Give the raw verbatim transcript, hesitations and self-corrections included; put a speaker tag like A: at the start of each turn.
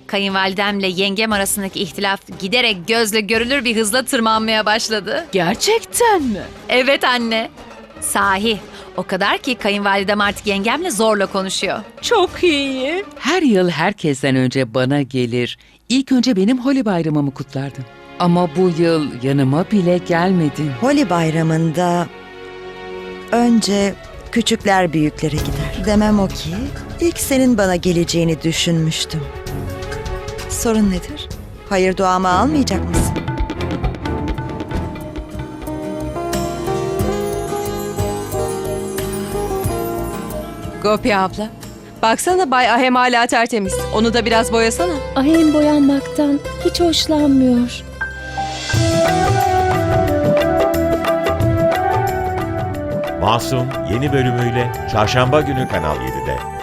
A: Kayınvalidemle yengem arasındaki ihtilaf giderek gözle görülür bir hızla tırmanmaya başladı.
B: Gerçekten mi?
A: Evet anne. Sahi. O kadar ki kayınvalidem artık yengemle zorla konuşuyor.
B: Çok iyi.
C: Her yıl herkesten önce bana gelir. İlk önce benim Holi bayramımı kutlardın. Ama bu yıl yanıma bile gelmedin.
D: Holi bayramında önce küçükler büyüklere gider. Demem o ki ilk senin bana geleceğini düşünmüştüm. Sorun nedir? Hayır duamı almayacak mısın?
E: Gopi abla. Baksana Bay Ahem hala tertemiz. Onu da biraz boyasana.
F: Ahem boyanmaktan hiç hoşlanmıyor.
G: Masum yeni bölümüyle Çarşamba günü Kanal yedide.